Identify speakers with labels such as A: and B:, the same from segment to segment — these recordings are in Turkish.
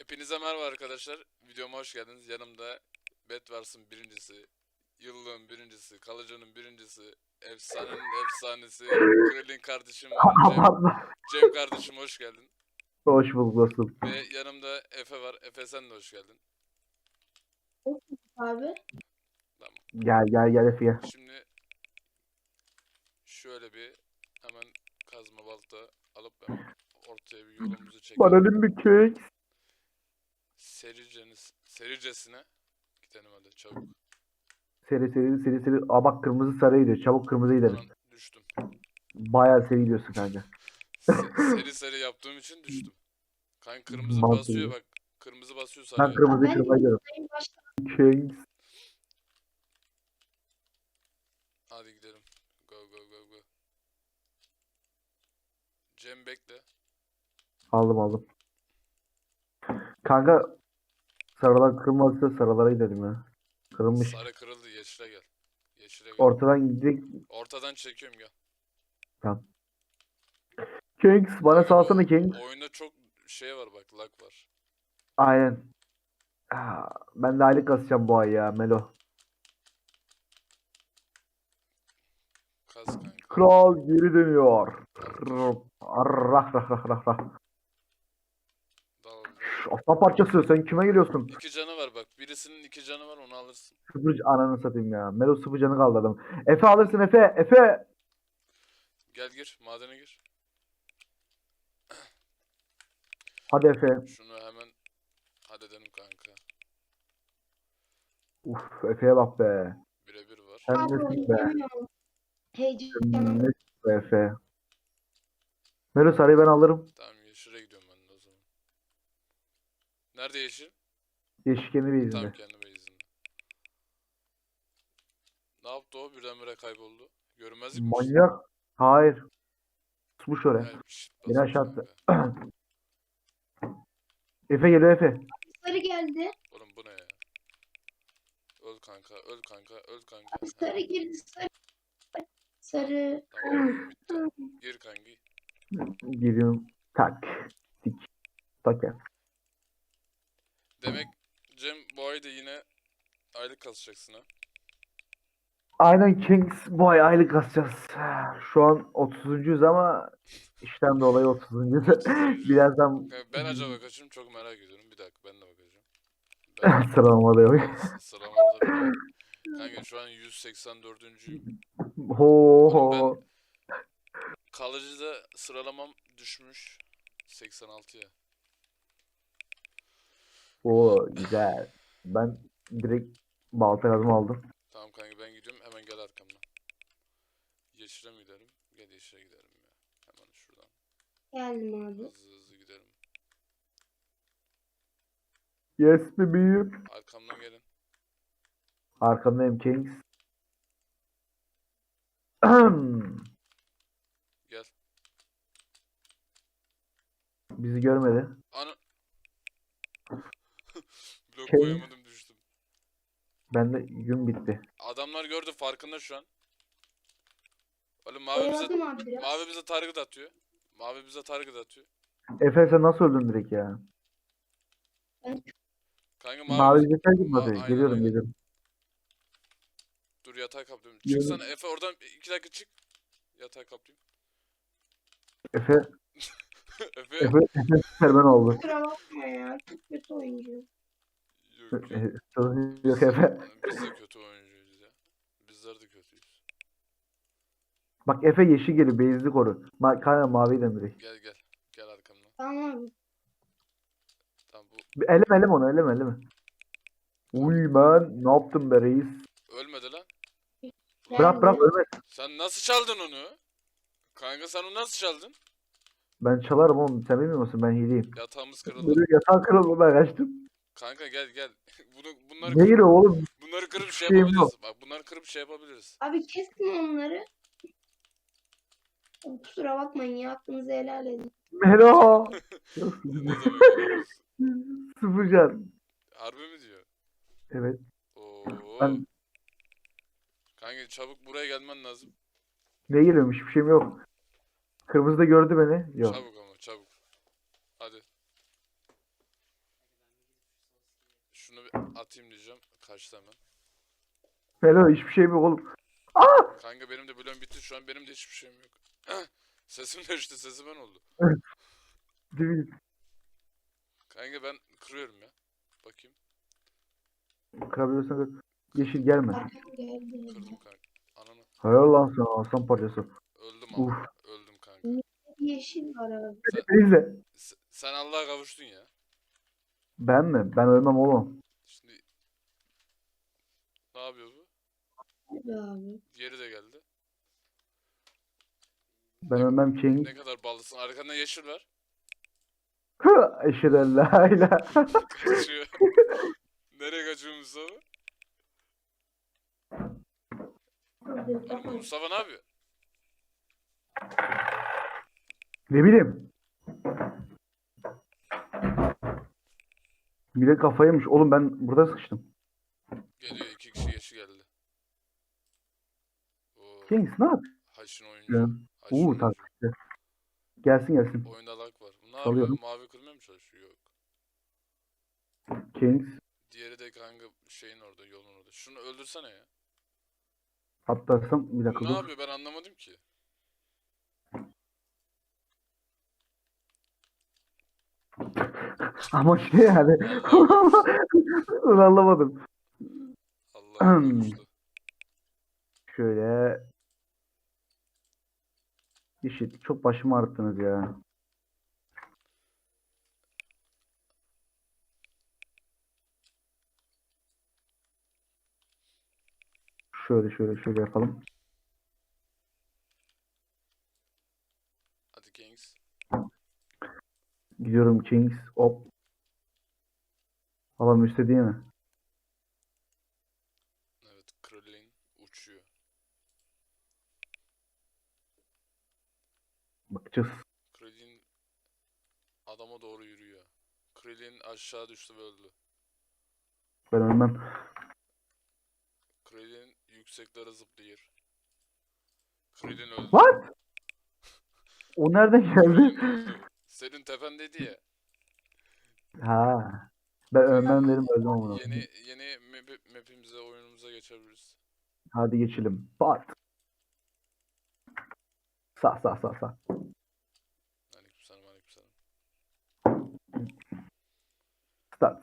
A: Hepinize merhaba arkadaşlar. Videoma hoş geldiniz. Yanımda Bedwars'ın birincisi, yıllığın birincisi, kalıcının birincisi, efsanenin efsanesi, Krillin kardeşim var.
B: Abartma.
A: Cem kardeşim hoş geldin.
B: Hoş bulduk dostum.
A: Ve yanımda Efe var. Efe sen de hoş geldin.
C: Abi.
A: Tamam.
B: Gel Efe gel.
A: Şimdi şöyle bir hemen kazma balta alıp hemen ortaya bir yolumuzu
B: Bana
A: çekelim.
B: bir kek.
A: Sericesine gidelim hadi çabuk.
B: Seri. Aa bak kırmızı sarıya gidiyor. Çabuk kırmızı gidelim.
A: Aman düştüm.
B: Bayağı seri gidiyorsun kanka.
A: Seri yaptığım için düştüm. Kanka kırmızı
B: Mantıklı.
A: basıyor bak. Kırmızı basıyor
B: Ben
A: sarıyor.
B: kırmızıyı
C: Ben
B: kırmaya gidiyorum.
C: başta
B: Kek.
A: Hadi gidelim. Go. Cem bekle.
B: Aldım. Kanka sarılar kırmızıysa sarılara gidelim ya. Kırılmış.
A: Sarı kırıldı. Yeşile gel.
B: Ortadan gidecek.
A: Ortadan çekiyorum gel.
B: Tamam. Kings bana
A: Kanka,
B: salsana Kings.
A: oyunda çok şey var bak. Lag var.
B: Aynen. Ben de aylık kasacağım bu ay ya Melo.
A: Kas kanka.
B: Kral geri dönüyor.
A: Tamam,
B: Rah.
A: Dal.
B: Aslan parçası sen kime geliyorsun?
A: İki canı var bak. Birisinin iki canı var onu alırsın.
B: Sıfır ananı satayım ya. Melo sıfır canı kaldı adam. Efe alırsın Efe. Efe.
A: Gel gir. Madene gir.
B: Hadi Efe.
A: Şunu hemen halledelim kanka.
B: Uf Efe'ye bak be.
A: Birebir var.
B: Sen
C: abi
B: nesin be?
C: oynayamıyorum.
B: Sen
C: Heyecanım.
B: nesin be Efe? Melo sarıyı ben alırım.
A: Tamam yeşile gidiyorum ben de o zaman. Nerede yeşil?
B: Yeşikeni bir
A: Tam
B: izinde.
A: kendi base'inde. Ne yaptı o? Birdenbire kayboldu. Görünmezlik mi?
B: Manyak. Hayır. Tutmuş oraya.
A: Yani bir shit
B: Beni
A: basmış
B: aşağı attı.
A: kanka.
B: Efe geliyor Efe.
C: Sarı geldi.
A: Oğlum bu ne ya? Öl kanka.
C: Sarı girdi. Sarı.
A: Tamam bitti. Gir kanki.
B: Giriyorum. Tak. Tik. Tak ya.
A: Demek Cem bu ay da yine aylık kasacaksın ha.
B: Aynen Kings bu ay aylık kasacağız. Şu an 30'uncuyuz ama işten dolayı 30'uncuyuz.
A: 30'uncuyuz.
B: Birazdan
A: Ben acaba kaçım çok merak ediyorum. Bir dakika ben de bakacağım. Ben
B: sıralamada yok.
A: sıralamada bile. Kanka şu an 184'üncüyüm.
B: Ho
A: Oğlum
B: ho.
A: Kalıcıda sıralamam düşmüş 86'ya.
B: O güzel. Ben direkt balta kazma aldım.
A: Tamam kanka ben gidiyorum hemen gel arkamdan. Yeşile mi gidelim? Gel yeşile gidelim ya. Hemen şuradan.
C: Geldim abi.
A: Hızlı gidelim.
B: Yes bebeğim.
A: Arkamdan gelin.
B: Arkandayım Kings.
A: Gel.
B: Bizi görmedi.
A: Ana. Blok
B: Şey-
A: koyamadım düştüm.
B: Ben de gün bitti.
A: Adamlar gördü farkında şu an. Oğlum mavi bize
C: Oyaladım abi biraz.
A: target atıyor. Mavi bize target atıyor.
B: Efe sen nasıl öldün direkt ya?
A: Kanka
B: Mavi yeter gibi
A: Aynen,
B: Geliyorum
A: aynen.
B: geliyorum.
A: Dur yatağı kaplıyorum.
B: Yürü.
A: Çıksana Efe oradan 2 dakika çık. Yatağı kaplayayım.
B: Efe,
A: Efe.
B: Efe Superman oldu.
C: Kusura bakma ya. Çok kötü oyuncu.
A: Yok.
B: Yok Efe.
A: Biz de kötü oyuncuyuz ya. Bizler de kötüyüz.
B: Bak Efe yeşil geliyor. Beyazlı koru. Kanka maviyi de direkt.
A: Gel. Gel arkamdan.
C: Tamam abi.
A: Tamam bu
B: Eleme onu eleme. Uy ben ne yaptım be reis?
A: ölmedi lan.
B: Bırak ölme.
A: Sen nasıl çaldın onu? Kanka sen onu nasıl çaldın?
B: Ben çalarım oğlum. Sen bilmiyor musun? Ben hileyim.
A: Yatağımız kırıldı.
B: Böyle yatağı kırıldı ben kaçtım.
A: Kanka gel. Bunları
B: Ne
A: kırıp,
B: giriyor oğlum?
A: bunları kırıp şey
B: Şeyim
A: yapabiliriz. Bak bunları kırıp şey yapabiliriz.
C: Abi kesin onları. Kusura bakmayın ya. Hakkınızı helal edin.
B: Melo.
A: Ne demek öyle?
B: Sıfır can.
A: Harbi mi diyor?
B: Evet.
A: Oo.
B: Ben
A: Kanka çabuk buraya gelmen lazım.
B: ne geliyormuş? Hiçbir şeyim yok. Kırmızı da gördü beni. Yok.
A: Çabuk ama çabuk. Hadi. Şunu bir atayım diyeceğim. Kaçtı hemen.
B: Hello hiçbir şey yok oğlum.
A: Kanka benim de bloğum bitti şu an. Benim de hiçbir şeyim yok. Sesim değişti. Sesi ben oldu.
B: Değil.
A: Kanka ben kırıyorum ya. Bakayım.
B: Kırabiliyorsan kır. Yeşil gelme.
C: Arkam geldi.
A: Kırdım kanka. Ananı.
B: Helal lan sana aslan parçası.
A: Öldüm
B: Uf.
A: ama. Öldüm kanka.
C: Yeşil var abi.
B: Neyse.
A: Sen Allah'a kavuştun ya.
B: Ben mi? Ben ölmem oğlum.
A: Şimdi ne yapıyor bu?
C: Hadi abi.
A: Diğeri de geldi.
B: Ben ölmem King.
A: Ne kadar ballısın. Arkanda yeşil var.
B: Eşhedü la ilahe.
A: Kaçıyor. Nereye kaçıyor Mustafa?
C: Hadi
A: Oğlum
C: tamam.
A: Mustafa ne yapıyor?
B: Ne bileyim. Bir de kafaymış. Oğlum ben burada sıkıştım.
A: Geliyor 2 kişi yeşil geldi. Oo,
B: Kings ne yap?
A: haşin oyuncu.
B: Ya.
A: Haşin
B: Uğur
A: oyuncu.
B: takipçi. Gelsin gelsin.
A: Oyunda lag var. Ne
B: Salıyorum.
A: yapıyor? Mavi kırmaya mı çalışıyor? Yok.
B: Kings.
A: Diğeri de kanka şeyin orada, yolun orada. Şunu öldürsene ya.
B: Atlarsam bir dakika
A: Bu ne
B: dur.
A: yapıyor? Ben anlamadım ki.
B: Ama şey yani. Onu anlamadım.
A: Allah'a kavuştu.
B: Şöyle. Yeşil. Çok başımı ağrıttınız ya. Şöyle yapalım.
A: Hadi Kings.
B: Gidiyorum Kings. Hop. Halam üstte değil mi?
A: Evet, Krillin uçuyor.
B: Bakacağız.
A: Krillin adama doğru yürüyor. Krillin aşağı düştü ve öldü.
B: Ben ölmem.
A: Krillin yükseklere zıplıyor. Krillin öldü.
B: What? O nereden
A: Krillin
B: geldi?
A: öldü. Senin tependeydi ya.
B: Ha. Ben ölmem dedim öldüm ama.
A: Yeni map'imize, oyunumuza geçebiliriz.
B: Hadi geçelim. Pat. Sağ.
A: Aleykümselam, aleykümselam.
B: Start.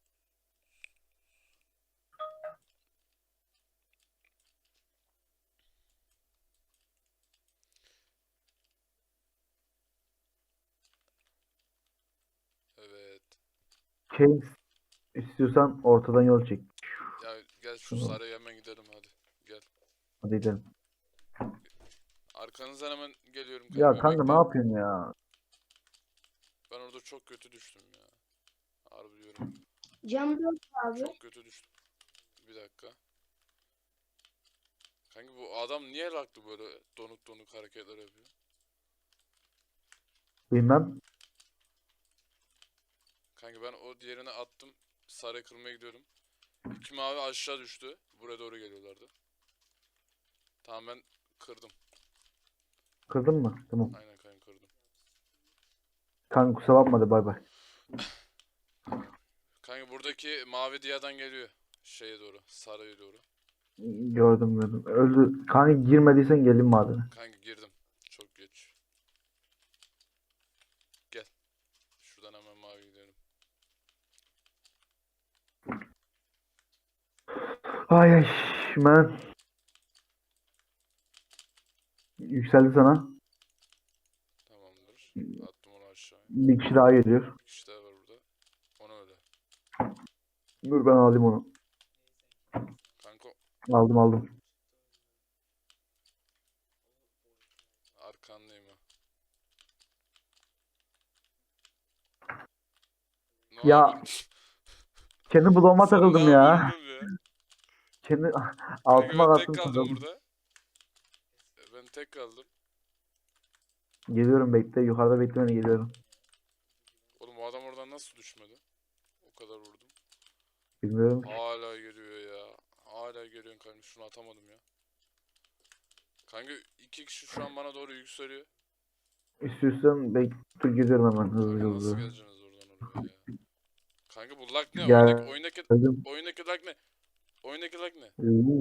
A: Evet.
B: Kings. İstiyorsan ortadan yol çek.
A: Ya gel şu
B: Tamam.
A: saraya hemen gidelim hadi. Gel.
B: Hadi gidelim.
A: Arkanızdan hemen geliyorum
B: Ya
A: kanka,
B: kanka ne
A: bekleyin.
B: yapıyorsun ya?
A: Ben orada çok kötü düştüm ya. Harbi diyorum.
C: Cam 4 abi.
A: Çok kötü düştüm. Bir dakika. Kanka bu adam niye laktı böyle donuk hareketler yapıyor?
B: Bilmem.
A: Kanka ben o diğerine attım. Saraya kırmaya gidiyorum. 2 mavi aşağı düştü. Buraya doğru geliyorlardı. Tamam ben kırdım.
B: Kırdın mı? Tamam.
A: Aynen kanka kırdım.
B: Kanka kusura bakma hadi bay bay.
A: Kanka buradaki mavi diyadan geliyor. Şeye doğru. Saraya doğru.
B: Gördüm. Öldü. Kanka girmediysen gelin madene.
A: Kanka girdim. Çok geç. Gel. Şuradan hemen mavi gidelim.
B: Ay ben. Yükseldi sana.
A: Tamamdır. Attım onu aşağıya.
B: Bir kişi daha geliyor.
A: Bir kişi daha var burada. Ona öyle.
B: Dur ben alayım onu.
A: Kanka
B: Aldım.
A: arkandayım ha. Ne
B: Ya,
A: yapıyorsun?
B: Kendi bloğuma
A: Sen
B: takıldım
A: ne
B: ya.
A: yapıyorsun oğlum ya?
B: Kendi
A: Kanka
B: altıma
A: ben tek
B: kalktım
A: kaldım
B: takıldım.
A: burada. Ben tek kaldım.
B: Geliyorum bekle. Yukarıda beklemeni geliyorum.
A: Oğlum o adam oradan nasıl düşmedi? O kadar vurdum.
B: Bilmiyorum ki.
A: Hala geliyor ya. Hala geliyorsun kanka. Şunu atamadım ya. Kanka 2 kişi şu an bana doğru yükseliyor.
B: İstiyorsan dur geliyorum hemen
A: Kanka nasıl
B: hızlı.
A: geleceksiniz oradan oraya ya? Kanka bu lag ne?
B: Gel.
A: Oyundaki
B: Dedim.
A: oyundaki lag ne? Oyundaki lag ne?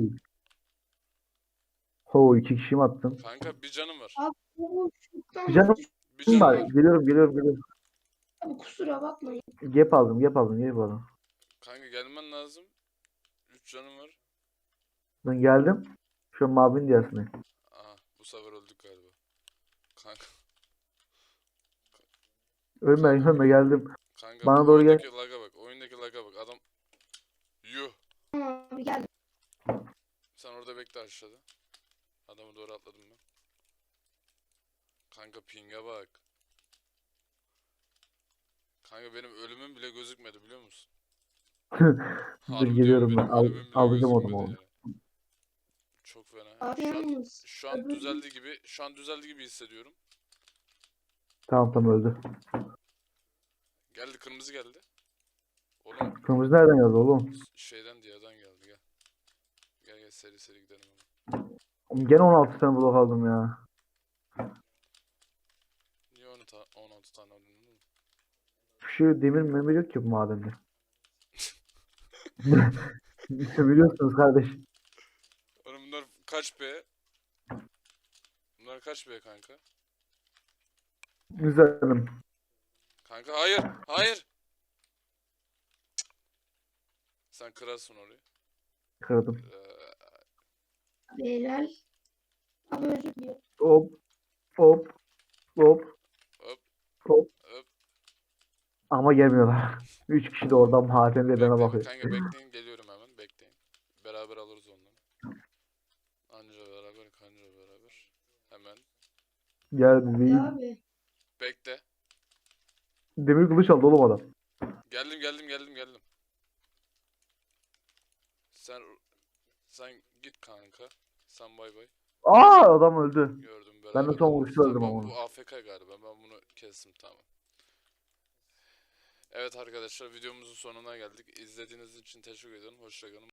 B: Ho 2 kişi mi attın?
A: Kanka bir canım var.
C: Abi bu
B: Bir
C: şuradan
B: canım
A: Bir canım
B: var.
A: var.
B: Geliyorum.
C: abi kusura bakmayın.
B: Gap aldım.
A: Kanka gelmen lazım. 3 canım var.
B: Ben geldim. Şu an mavinin diğersine.
A: Aha bu sefer öldük galiba. Kanka
B: Ölme geldim.
A: kanka
B: Bana
A: bu
B: doğru gel.
A: oyundaki laga bak. Oyundaki laga bak. Adam yuh.
C: Abi geldim.
A: Sen orada bekle aşağıda. Adamı doğru atladım ben. Kanka ping'e bak. Kanka benim ölümüm bile gözükmedi biliyor musun?
B: Dur
A: Harbi diyorum
B: geliyorum ben.
A: benim ölümüm bile
B: Alacağım
A: gözükmedi
B: onu.
A: ya. Çok fena.
C: Abi
A: Şu an
C: yalnız.
A: şu an
C: öbür-
A: düzeldi gibi hissediyorum.
B: Tamam öldü.
A: Geldi kırmızı geldi. Oğlum
B: Kırmızı nereden geldi oğlum?
A: şeyden diyadan geldi gel. Gel seri gidelim hemen.
B: Gene 16 tane blok aldım ya.
A: Niye 16 tane aldın oğlum?
B: Şu demir memir yok ki bu madende. Biliyorsunuz kardeş.
A: Oğlum bunlar kaç B? Bunlar kaç B kanka?
B: Güzelim.
A: Kanka hayır. Sen kırarsın orayı.
B: Kırdım.
C: Abi helal. Abi özür diliyorum.
B: Hop.
A: Hop.
B: Hop.
A: Hop.
B: Ama gelmiyorlar. 3 kişi de oradan madende bana bakıyor.
A: Kanka bekleyin geliyorum hemen bekleyin. Beraber alırız onları. Anca beraber kanca beraber. Hemen.
B: Geldi değil.
C: Abi.
A: Bekle.
B: Demir kılıç aldı oğlum adam.
A: Geldim. Sen git kanka. Sen bay bay.
B: Adam öldü.
A: Gördüm
B: Ben de
A: beraber
B: son
A: alırız.
B: vuruşta öldüm
A: Tamam,
B: ama.
A: bu AFK galiba. Ben bunu kestim tamam. Evet arkadaşlar videomuzun sonuna geldik. İzlediğiniz için teşekkür ederim. Hoşça kalın.